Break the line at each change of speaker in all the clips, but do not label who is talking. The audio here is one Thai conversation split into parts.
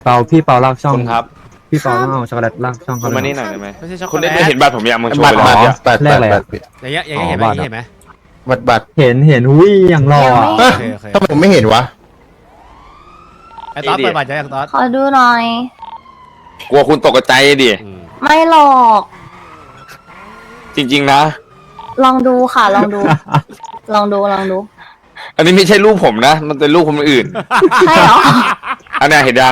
เปาพี่เปาลากช่อง
คุณครับ
พี่เปาต้องเอาช็อกโกแลตลากช่อง
คุ
เขา
ณ
เล
มาย นี่หน่อยได้ไหม
ไม่ใช่ช็อกโก
คุณ
แล
ได้
ต
เห็นบัตรผมยังมึงโชว์
บัต
ไป
ร
แล้ว
บัตร
แรกอะไรอะ
อย่างเงี้ยเห็นไหมเห็นไหม
บัตร
เห็นหุ้ยอย่างรออะ
โอเคโอเค
ทำไมผมไม่เห็นวะ
ไอ้ตอสเปิดบัตรยังตอส
ขอดูหน่อย
กลัวคุณตกใจดิ
ไม่หรอก
จริง ๆ นะ
ลองดูค่ะ ลองดู ลองดู ลองดู
อันนี้ไม่ใช่รูปผมนะ มันเป็นรูปคนอื่น
ใช่เหรอ
อันเนี้ยเห็นยัง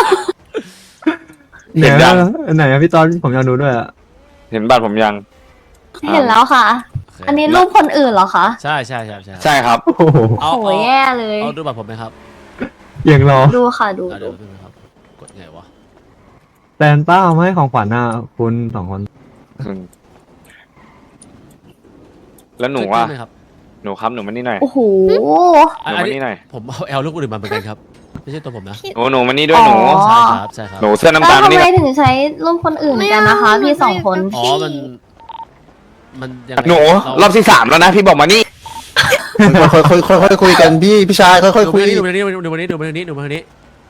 ไหน
เห็นยัง
ไหนอะพี่ตอนผมอยากดูด้วยอะ
เห็นบัตรผมยัง
เห็นแล้วค่ะ อันนี้รูปคนอื่นเหรอคะ
ใช่ใช่ใช่ใช่
ใช่ครับ
โอ้โห
เอา
โอ้ยแย่เลย
เอาดูบัตรผมไหมครับ
อย่างรอ
ดูค่ะ ดู
เอาเดี๋ยวดูนะครับกดไงวะ
แตนต้าเอามาให้ของขวัญน่ะคุณสองคน
แล้วหนูว่า
ขึ้นไหมครับ
หนูครับหนูมานี่หน่อย
โอ้โห
หนู
อัน
มา
นี้
นี่หน่อย
ผมเอาแอลลูกอื่นมาเหมือนกันครับไม่ใช่ตัวผมนะ
หนูมานี่ด้วยหนู
อ๋อ
ใช่ครับใช่ครับ
หนูเสื้อน้ำ
แล้ว
ตาล
ทำ
นี่
ไม
แหละ
ถึงใช้รูปคนอื่นกันนะคะ พี่สองคน
อ๋อมันยังไง
หนูรอบที่3แล้วนะ พี่บอกมานี่
ค่อยคุยกันพี่ชายค่อย
ดู
คุย
มานี้ดูมานี้ดูมานี้ดูมานี้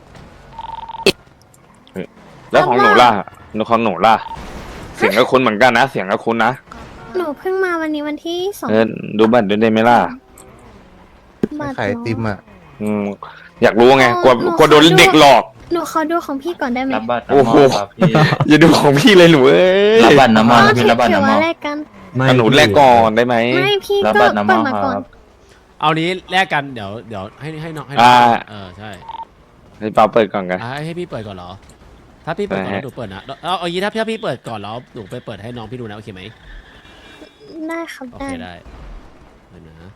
แล้วของหนูล่ะหนูของหนูล่ะ เสียงก็คุ้นเหมือนกันนะ เสียงก็คุ้นนะ
หนูเพิ่งมาวันนี้วันที่2
ดูบัตรด้วยได้ไหมล่ะ
บาท
ขายไอติมอ่ะ
อืมอยากรู้ไงกลัวโดนเด็กหลอก
หนูขอดูของพี่ก่อนได้ไหม
รับบัตร
โอ้โห
น้ำมนต์ครับพี่
อย่าดูของพี่เลยหนูเอ้ย
รับบัตรน้ำม
อ๋อน
ต์พี่รับบัตร
ถือ
น้ำม
ว่าน
ต์
แลกกัน
ไม่
หนูแรกก่อนได้ไหม
ไม่พี่
รับ
ก็
บัตรน้ำม
เปิด
นต์
มา
ค
ก่อน
รับ
เอานี้แลกกันเดี๋ยวให้น้องใช่
ให้เปาเปิดก่อนกัน
ให้พี่เปิดก่อนเหรอถ้าพี่เปิดก่อนแล้วหนูเปิดนะเอาอย่างนี้ถ้าพี่เปิดก่อนแล้วหนูไปเปิดให้น้องพี่ดูนะโอเคไหม
ได้ครับ
โอ
ได้
เคได้เดี๋ยวนะ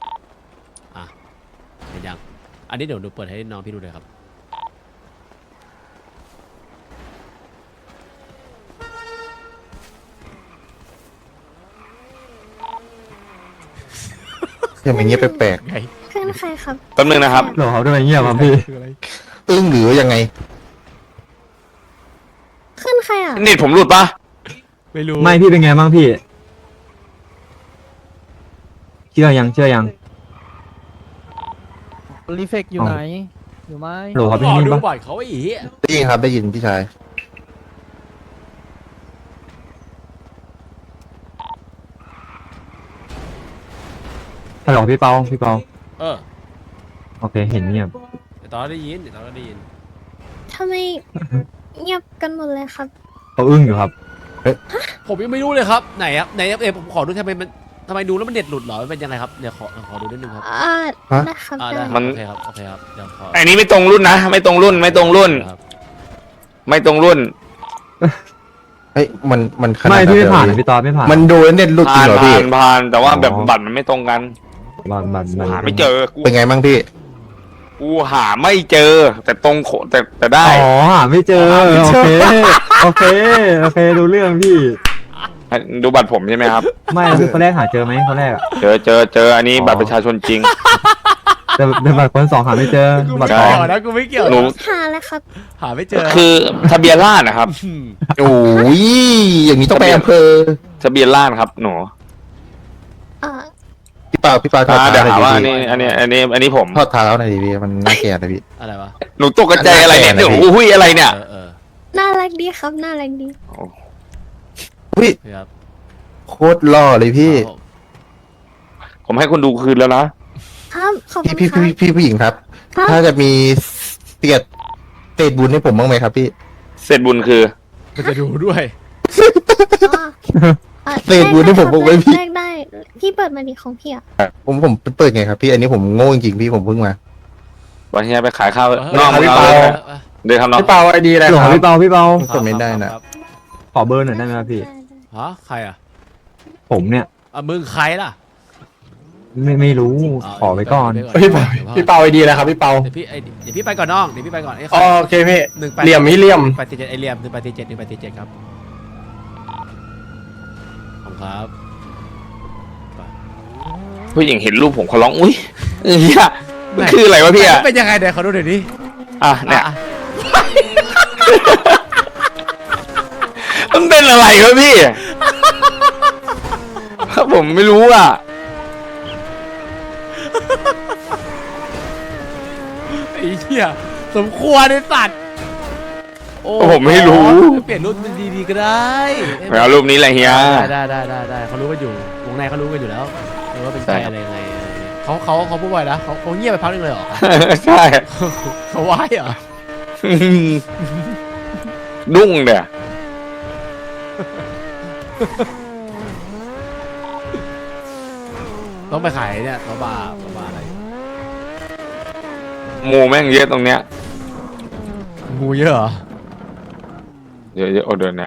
เห็นยังอันนี้เดี๋ยวหนูเปิดให้น้องพี่ดูเลยครับ
อย่างเงี้ยแปลก
ไง
ขึ้นใครครับ
แป๊บนึงนะครับ
หรอเขาทำไมเงียบครับพี่
ๆอึ้งหรือยังไง
ขึ้นใครอ่ะ
เน็ตผมหลุดปะ
ไม่รู้
ไม่พี่เป็นไงบ้างพี่ เชื่อยัง
รีเฟกอยู่ไหน อยู่ไหม
หรอเขาเป็น
รอ
นิ่ง
ดู
ปะ
บ่อยเขาไอ้เหี้ย
ได้ยินครับได้ยินพี่ชาย
ฮัลโหลพี่เปาพี่เปา
เออ
โอเคเห็นเงียบ
เดี๋ยวตอนได้ยินเดี๋ยวตอนได้ยิน
ทำไมเงียบกันหมดเลยครับ
เขาอึ้งอยู่ครับ
ผมยังไม่รู้เลยครับไหนครับไหนผมขอดูทำไมดูแล้วมันเด็ดหลุดเหรอมันเป็นยังไงครับเดี๋ยวขอดูนิดนึงครับ
ได้ครับ
ได้
ได้
ครับโอเคครับโอเคครับเดี๋ยวขอ
อันนี้ไม่ตรงรุ่นนะ ไม่ตรงรุ่น ไม่ตรงรุ่น
ครับ
ไม่ตรงรุ่น
เฮ้ยมันขนาด
ไม่พี่ไม่ผ่าน
เลย
พี่ตอนไม่ผ่าน
มันดูแล้วเน็ตหลุดจริ
ผ่าง น
เหรอพี่
ผ่านแต่ว่าแบบ
อ๋อ
บัตรมันไม่ตรงกัน
บัน
หาไม่เจอ กู
เป็นไงบ้างพี่
กูหาไม่เจอ แต่ตรงโขแต่ได้
อ๋อหาไม่เจอ โอเคโอเคดูเรื่องพี่
ดูบัตรผมใช่ไหมครับ
ไม่คือคนแรกหาเจอไหมคนแรกอะ
เจออันนี้บัตรประชาชนจริง
แต่บัตรคนสองหาไม่เจอ
กู
บั
ไม่
ตรท
เกี่
อง
ยวนะกูไม่เกี่ยว
หนู
หาแล้วครับ
หาไม่เจอ
คือทะเบียนราษฎร์นะครับ
โอ้ยอย่างนี้ต้องไปอำเภอ
ทะเบียนราษฎร์ครับหนู
เอ่อ
พี่เปาถอด
เดี๋ยว
เท้า
หาว่า
หน่อยดิ
อันนี้ผม
ถอดเท้าหน่อยดิพี่มันน่าเกลียดนะพี่
อะไรวะ
หนูตกใจอะไรเนี่ย
อันนั้น
เดี๋ยวอุ้ยอะไรเนี่ย
เออ
น่ารักดีครับ น่ารักดี
อุ้ย
ครับ
โคตรหล่อเลยพี่
ผมให้คุณดูคืนแล้วนะ
ครับ ขอบคุณ
พี่
ครับ
พี่ผู้หญิงครับ
ครับ
ถ้าจะมีเตียดเศษบุญให้ผมบ้างไหมครับพี่
เสร็จบุญคือ
มันจะดูด้วย
เศษบุญให้ผมบอกไว้พี่
แลกได้ พี่เปิดมาดิของพี่อ่ะ
ผมเปิดไงครับพี่ อันนี้ผมโง่จริงๆพี่ผมเพิ่งมา
วันนี้ไปขายข้าว
เออ
น้อง
พี่
เอา
เปา
เลยเดินครับน้อง
พี่เปาไอดีอะไร
หล
ครับ
พี่เปา
กดไม่ได้นะ
ครับ
ขอเบอร์หน่อยได้ไหมครับพี่
ฮะใครอ่ะ
ผมเนี่ย
มึงใครล่ะ
ไม่รู้ขอไว้ก่อน
พี่เปาไอดีแล้วครับพี่เปาเดี๋ยวพี่ไปก่อนน้องเดี๋ยวพี่ไปก่อนโอเคพี่1 เหลี่ยมเหลี่ยม1 8 7ไอเหลี่ยม1 8 7 1 8 7ครับขอบคุณครับ
ผู้หญิงเห็นรูปผมเขาร้องอุ้ยเฮียมันคืออะไรวะพี่อะ
เป็นยังไงเดี๋ยวขอดูหน่อยดิ
อ่ะเนี่ย มันเป็นอะไรวะพี่ ผมไม่รู้อ่ะ
ไอ้เหี้ยสมควรไอ้สัตว์โอ้
ผมไม่รู้
เปลี่ยนรุ่นเป็นดีๆก็ได้
ไม่เอารูปนี้แหละเฮีย
ได้เขารู้กันอยู่วงในเขารู้กันอยู่แล้วว่าเป็น
ใช่
ใครอะไรยังไงเขาพูดบ่อยนะเขาเงียบไปพักนึงเลยเหรอ
ใช่
เขาไหว้เหรอ
ดุ้งเด้อ
ต้องไปขายเนี่ยตัวบาอะไร
งูแม่งเยอะตรงเนี้ย
งูเยอะเหรอ
เยอะๆโอเดินนะ